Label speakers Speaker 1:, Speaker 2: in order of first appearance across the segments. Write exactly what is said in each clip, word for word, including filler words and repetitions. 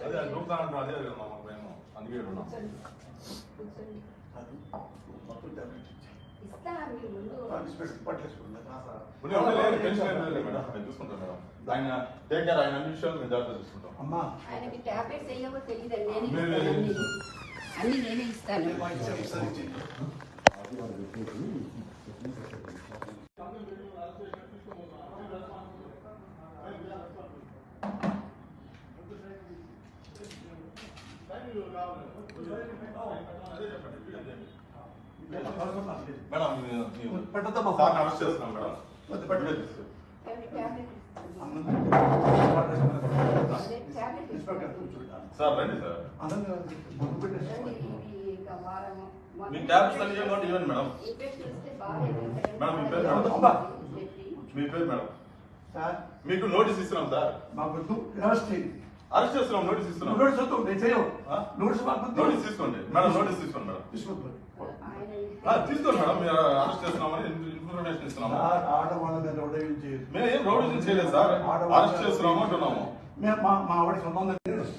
Speaker 1: అదే నూతన అదే మేము అందుకే ఉన్నాం. చూసుకుంటాం మేడం. ఆయన టేక్ కేర్, ఆయన అన్ని విషయాలు మేము జాగ్రత్త చూసుకుంటాం. అమ్మా
Speaker 2: ఆయనకి టాబ్లెట్స్ వేయవో తెలియదండి, అన్ని నేనే ఇస్తాను.
Speaker 1: మేడం సార్ అరెస్ట్ చేస్తున్నాం మేడం. సార్ రండి సార్, మీ ట్యాబ్లెట్స్ అన్ని ఇవ్వండి ఇవ్వండి మేడం. మేడం మీ పేరు మేడం, మీ పేరు మేడం. మీకు నోటీస్ ఇస్తున్నాం సార్. అరెస్ట్ చేస్తున్నాం, నోటీస్ ఇస్తున్నాం. నోటీస్ తీసుకోండి మేడం, నోటీస్ తీసుకోండి మేడం. తీసుకోండి మేడం, మీరు అరెస్ట్ చేస్తున్నామని ఇన్ఫర్మేషన్ ఇస్తున్నాము. మేము ఏం రౌడీ చేయలేదు సార్, అరెస్ట్ చేస్తున్నాము అంటున్నాము.
Speaker 3: మా ఆవిడ సంబంధం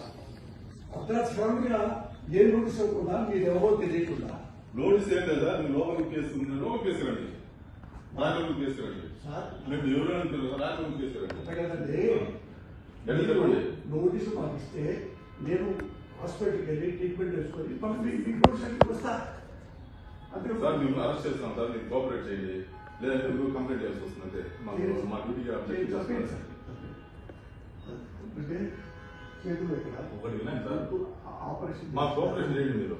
Speaker 3: ఏ నోటీస్ ఇవ్వకుండా మీరు ఎవరో తెలియకుండా.
Speaker 1: నోటీస్ ఏం లేదా, మీరు లోపలికి కేసు లోపలికి కేసు రండి, రాజకీయ కేసు రండి. మేము ఎవరు రాజకీయ కేసు రండి.
Speaker 3: నోటీసు పంపిస్తే నేను హాస్పిటల్కి వెళ్ళి ట్రీట్మెంట్ వేసుకొని మీకు వస్తా.
Speaker 1: సార్ మేము అరెస్ట్ చేస్తున్నాం సార్, మీరు కోఆపరేట్ చేయండి, లేదంటే మీరు కంప్లైంట్ చేయాల్సి వస్తుంది. అంతే మా డ్యూటీగా ఒకటి వినండి సార్,
Speaker 3: ఆపరేషన్
Speaker 1: మా కోఆపరేషన్ చేయండి. మీరు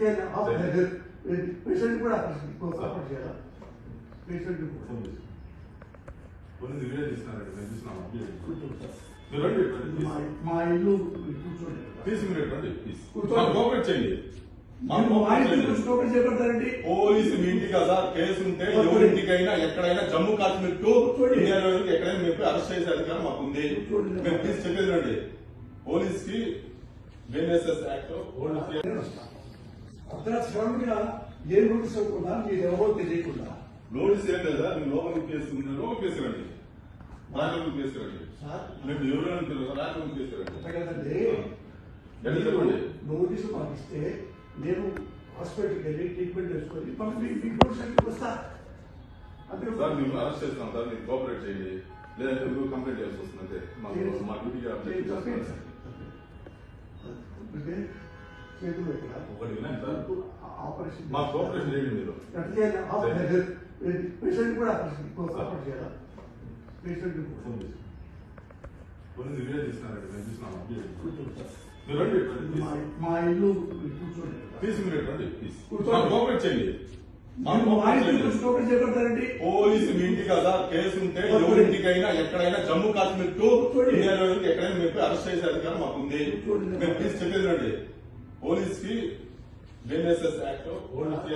Speaker 3: పేషెంట్ కూడా ఆపరేషన్ చేయాలి. పేషెంట్
Speaker 1: కొన్ని వీడియో తీస్తున్నారండి, మేము చూస్తున్నాము. మీరు రండి,
Speaker 3: మా ఇల్లు కూర్చోండి,
Speaker 1: తీసి మీరు రండి, కోఆపరేట్ చేయండి. పోలీసు మీ ఇంటి కదా కేసు ఉంటే ఎవరింటికైనా ఎక్కడైనా జమ్మూ కాశ్మీర్ టు ఇండియా ఎక్కడైనా మేము అరెస్ట్ చేసే అధికారం మాకు ఉంది. మేము ప్లీజ్ చెప్పేది రండి, పోలీస్ కి బిఎన్ఎస్ఎస్ యాక్ట్
Speaker 3: ఏ నోటీస్ ఇవ్వకుండా మీరు ఎవరో తెలియకుండా.
Speaker 1: నోటీస్ ఏం లేదా, మీరు లోపలికి కేసు లోపలికి కేసు రండి, రాజకీయ కేసు రండి. మేము ఎవరు రాజకీయ కేసు రండి. చెప్పండి.
Speaker 3: నోటీసు పంపిస్తే నేను హాస్పిటల్కి వెళ్ళి ట్రీట్మెంట్ వేసుకొని మీకు వస్తా.
Speaker 1: సార్ మేము అరెస్ట్ చేస్తున్నాం సార్, మీరు కోఆపరేట్ చేయండి, లేదంటే మీరు కంప్లైంట్ చేయాల్సి వస్తుంది. అంతే మా డ్యూటీగా ఒకటి వినండి సార్,
Speaker 3: ఆపరేషన్
Speaker 1: మా కోఆపరేషన్ చేయండి. మీరు
Speaker 3: పేషెంట్ కూడా ఆపరేషన్ చేయాలి. పేషెంట్
Speaker 1: కొన్ని వీడియో తీస్తున్నారండి, మేము చూస్తున్నాము. మీరు రండి,
Speaker 3: మా ఇల్లు కూర్చోండి,
Speaker 1: తీసి మీరు రండి, ప్లీజ్ కోఆపరేట్ చేయండి. పోలీసు మీ ఇంటి కదా కేసు ఉంటే ఎవరింటికైనా ఎక్కడైనా జమ్మూ కాశ్మీర్ టు ఇండియా ఎక్కడైనా మేము అరెస్ట్ చేసే అధికారం మాకు ఉంది. మేము ప్లీజ్ చెప్పేది రండి, పోలీస్ కి బిఎన్ఎస్ఎస్ యాక్ట్